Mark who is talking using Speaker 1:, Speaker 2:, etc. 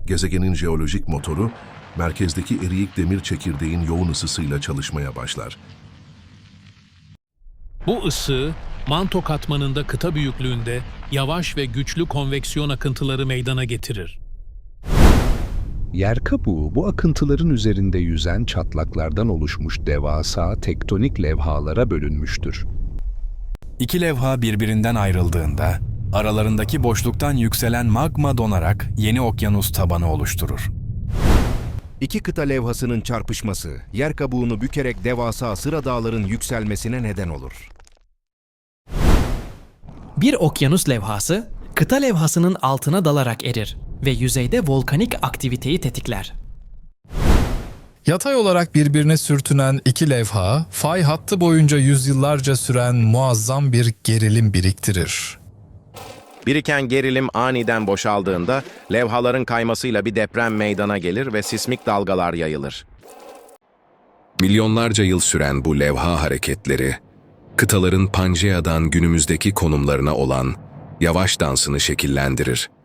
Speaker 1: Gezegenin jeolojik motoru, merkezdeki eriyik demir çekirdeğin yoğun ısısıyla çalışmaya başlar.
Speaker 2: Bu ısı, manto katmanında kıta büyüklüğünde yavaş ve güçlü konveksiyon akıntıları meydana getirir.
Speaker 3: Yer kabuğu bu akıntıların üzerinde yüzen çatlaklardan oluşmuş devasa tektonik levhalara bölünmüştür.
Speaker 4: İki levha birbirinden ayrıldığında, aralarındaki boşluktan yükselen magma donarak yeni okyanus tabanı oluşturur.
Speaker 5: İki kıta levhasının çarpışması, yer kabuğunu bükerek devasa sıra dağların yükselmesine neden olur.
Speaker 6: Bir okyanus levhası, kıta levhasının altına dalarak erir ve yüzeyde volkanik aktiviteyi tetikler.
Speaker 7: Yatay olarak birbirine sürtünen iki levha, fay hattı boyunca yüzyıllarca süren muazzam bir gerilim biriktirir.
Speaker 8: Biriken gerilim aniden boşaldığında levhaların kaymasıyla bir deprem meydana gelir ve sismik dalgalar yayılır.
Speaker 9: Milyonlarca yıl süren bu levha hareketleri, kıtaların Pangea'dan günümüzdeki konumlarına olan yavaş dansını şekillendirir.